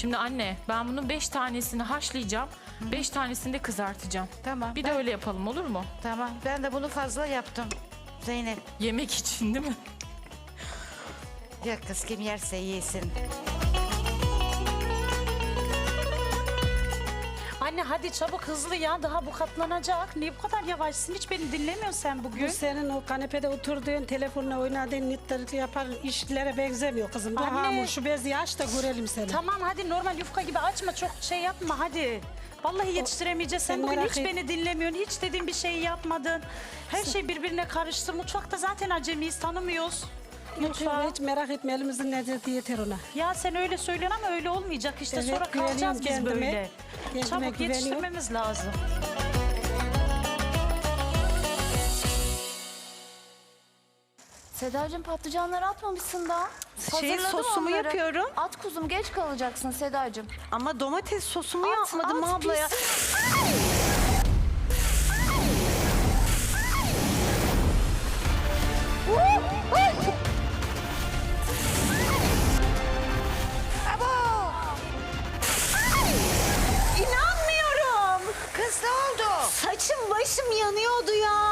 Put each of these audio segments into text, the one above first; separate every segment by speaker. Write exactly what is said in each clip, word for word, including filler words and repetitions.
Speaker 1: Şimdi anne ben bunun beş tanesini haşlayacağım. Beş tanesini de kızartacağım.
Speaker 2: Tamam.
Speaker 1: Bir
Speaker 2: ben,
Speaker 1: de öyle yapalım olur mu?
Speaker 2: Tamam. Ben de bunu fazla yaptım. Zeynep.
Speaker 1: Yemek için değil mi?
Speaker 2: Ya kız kim yerse yesin.
Speaker 3: Anne hadi çabuk hızlı ya, daha bu katlanacak. Niye bu kadar yavaşsın? Hiç beni dinlemiyorsun sen bugün.
Speaker 4: Bu senin o kanepede oturduğun, telefonla oynadığın, nitleri yapar işlere benzemiyor kızım. Bu
Speaker 3: Anne.
Speaker 4: hamur şu bezi aç da görelim seni.
Speaker 3: Tamam hadi normal yufka gibi açma, çok şey yapma hadi. Vallahi yetiştiremeyeceğiz. Sen
Speaker 4: sen
Speaker 3: bugün
Speaker 4: merak
Speaker 3: hiç
Speaker 4: et-
Speaker 3: beni dinlemiyorsun. Hiç dediğim bir şeyi yapmadın. Her şey birbirine karıştı. Mutfakta zaten acemiyiz, tanımıyoruz. Mutfağı.
Speaker 4: Hiç merak etme, elimizin lezzeti yeter ona.
Speaker 3: Ya sen öyle söylüyorsun ama öyle olmayacak. İşte
Speaker 4: Evet,
Speaker 3: sonra kalacağız
Speaker 4: güveniyorum
Speaker 3: biz
Speaker 4: kendime.
Speaker 3: böyle.
Speaker 4: Kendime
Speaker 3: Çabuk
Speaker 4: güveniyorum.
Speaker 3: yetiştirmemiz lazım.
Speaker 5: Sedacığım patlıcanları atmamışsın daha.
Speaker 6: Şey,
Speaker 5: Hazırladım
Speaker 6: sosumu
Speaker 5: onları.
Speaker 6: yapıyorum.
Speaker 5: At kuzum, geç kalacaksın Sedacığım.
Speaker 6: Ama domates sosumu
Speaker 5: At,
Speaker 6: yapmadım
Speaker 5: at,
Speaker 6: abla ya. İnanmıyorum.
Speaker 2: Kız ne oldu?
Speaker 6: Saçım başım yanıyordu ya.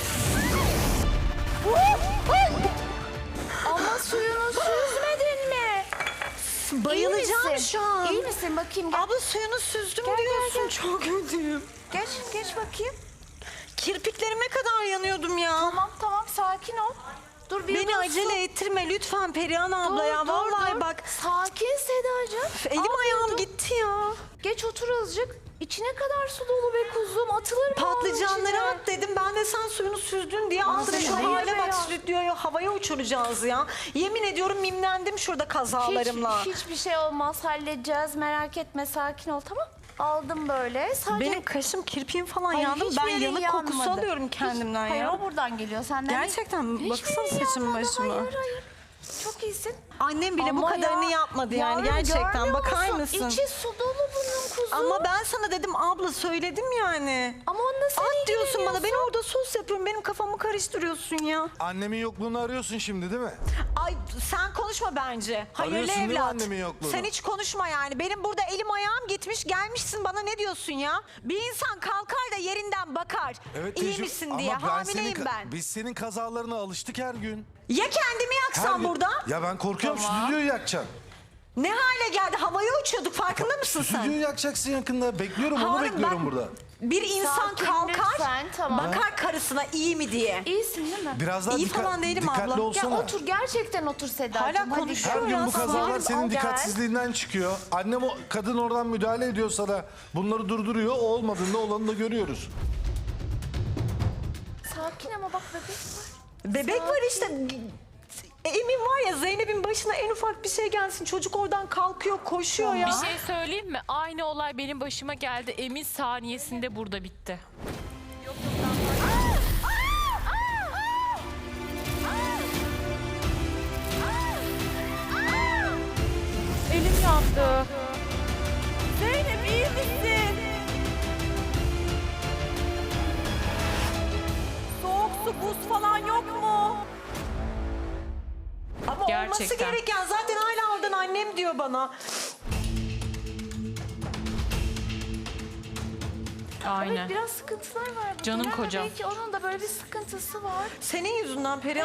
Speaker 5: Ama suyunu süzmedin mi?
Speaker 6: Bayılacağım
Speaker 5: misin?
Speaker 6: şu an.
Speaker 5: İyi misin? Bakayım gel.
Speaker 6: Abla suyunu süzdüm
Speaker 5: Gel, gel,
Speaker 6: diyorsun.
Speaker 5: gel.
Speaker 6: Çok kötüyüm.
Speaker 5: Geç, geç bakayım.
Speaker 6: Kirpiklerime kadar yanıyordum ya.
Speaker 5: Tamam tamam, sakin ol. Dur bir
Speaker 6: Beni
Speaker 5: yudum
Speaker 6: acele
Speaker 5: su.
Speaker 6: ettirme lütfen Perihan abla
Speaker 5: Dur,
Speaker 6: ya.
Speaker 5: dur,
Speaker 6: Vallahi
Speaker 5: dur.
Speaker 6: bak.
Speaker 5: Sakin Sedacığım.
Speaker 6: Elim
Speaker 5: Al bir
Speaker 6: ayağım
Speaker 5: yudum.
Speaker 6: gitti ya.
Speaker 5: Geç otur azıcık. İçine kadar su dolu be kuzum. Atılır mı onun
Speaker 6: Patlıcanları
Speaker 5: içine?
Speaker 6: at dedim. Ben de sen suyunu süzdün diye aldım.
Speaker 5: Ağzını
Speaker 6: Şu
Speaker 5: hayır
Speaker 6: hale
Speaker 5: be
Speaker 6: bak,
Speaker 5: ya.
Speaker 6: stüdyoyu havaya uçuracağız ya. Yemin ediyorum mimlendim şurada kazalarımla.
Speaker 5: Hiç, hiçbir şey olmaz, halledeceğiz. Merak etme, sakin ol, tamam? Aldım böyle. Sadece...
Speaker 6: Benim kaşım, kirpiğim falan
Speaker 5: Hayır,
Speaker 6: yandı.
Speaker 5: hiçbir
Speaker 6: Ben
Speaker 5: yerin
Speaker 6: yanık kokusu
Speaker 5: yanmadı.
Speaker 6: alıyorum kendimden
Speaker 5: Hiç-
Speaker 6: ya.
Speaker 5: Hayır, o buradan geliyor senden.
Speaker 6: Gerçekten mi?
Speaker 5: Hiçbir
Speaker 6: Baksana
Speaker 5: yerin
Speaker 6: saçım
Speaker 5: yanmadı.
Speaker 6: başıma.
Speaker 5: Hayır hayır. Çok iyisin.
Speaker 6: Annem bile bu
Speaker 5: Ama
Speaker 6: kadarını
Speaker 5: ya,
Speaker 6: yapmadı yani
Speaker 5: yavrum,
Speaker 6: gerçekten.
Speaker 5: görmüyor
Speaker 6: Bakar
Speaker 5: musun?
Speaker 6: mısın?
Speaker 5: İçi su dolu bunun kuzum.
Speaker 6: Ama ben sana dedim abla, söyledim yani.
Speaker 5: Ama onunla sen
Speaker 6: At diyorsun bana,
Speaker 5: ilgileniyorsun.
Speaker 6: ben orada sos yapıyorum. Benim kafamı karıştırıyorsun ya.
Speaker 7: Annemin yokluğunu arıyorsun şimdi değil mi?
Speaker 6: Ay sen konuşma bence. Hayırlı
Speaker 7: Arıyorsun değil mi
Speaker 6: evlat.
Speaker 7: annemin yokluğunu?
Speaker 6: Sen hiç konuşma yani. Benim burada elim ayağım gitmiş, gelmişsin bana ne diyorsun ya? Bir insan kalkar da yerinden bakar. İyi
Speaker 7: tecrübe-
Speaker 6: misin
Speaker 7: Ama
Speaker 6: diye.
Speaker 7: ben
Speaker 6: Hamileyim
Speaker 7: senin,
Speaker 6: ben.
Speaker 7: Biz senin kazalarına alıştık her gün.
Speaker 6: Ya kendimi
Speaker 7: Her
Speaker 6: yaksam
Speaker 7: gün-
Speaker 6: burada?
Speaker 7: Ya ben korkuyorum, stüdyoyu yakacaksın.
Speaker 6: Ne hale geldi? Havaya uçuyorduk, farkında mısın sen?
Speaker 7: Stüdyoyu yakacaksın yakında. Bekliyorum, onu
Speaker 6: Harun,
Speaker 7: bekliyorum
Speaker 6: bak-
Speaker 7: burada.
Speaker 6: Bir insan
Speaker 5: Sakin
Speaker 6: kalkar,
Speaker 5: lütfen, tamam.
Speaker 6: bakar karısına iyi mi diye.
Speaker 5: İyisin değil mi?
Speaker 7: Biraz daha
Speaker 6: İyi
Speaker 7: dikkat-
Speaker 6: falan değilim
Speaker 7: dikkatli
Speaker 6: abla.
Speaker 5: Gel
Speaker 7: olsana.
Speaker 5: otur, gerçekten otur Sedacığım.
Speaker 6: Hala
Speaker 5: Hadi
Speaker 6: konuşuyor
Speaker 7: Her
Speaker 5: gel.
Speaker 7: gün bu
Speaker 6: Biraz
Speaker 7: kazalar
Speaker 5: Al,
Speaker 7: senin
Speaker 5: gel.
Speaker 7: dikkatsizliğinden çıkıyor. Annem o kadın oradan müdahale ediyor sana. Bunları durduruyor. O olmadığında olanı da görüyoruz.
Speaker 5: Sakin ama bak bebek var.
Speaker 6: Bebek var işte. Emin var ya, Zeynep'in başına en ufak bir şey gelsin. Çocuk oradan kalkıyor, koşuyor ya.
Speaker 1: Bir şey söyleyeyim mi? Aynı olay benim başıma geldi. Emin saniyesinde burada bitti. Elim yandı. Zeynep iyi misin?
Speaker 6: Soğuk su, buz falan yok mu? Ama olması
Speaker 1: Gerçekten.
Speaker 6: gereken zaten hala oradan annem diyor bana.
Speaker 1: Aynen.
Speaker 5: Evet, biraz sıkıntılar var.
Speaker 1: Canım
Speaker 5: Bilen de
Speaker 1: kocam.
Speaker 5: Belki onun da böyle bir sıkıntısı var.
Speaker 6: Senin yüzünden Perihan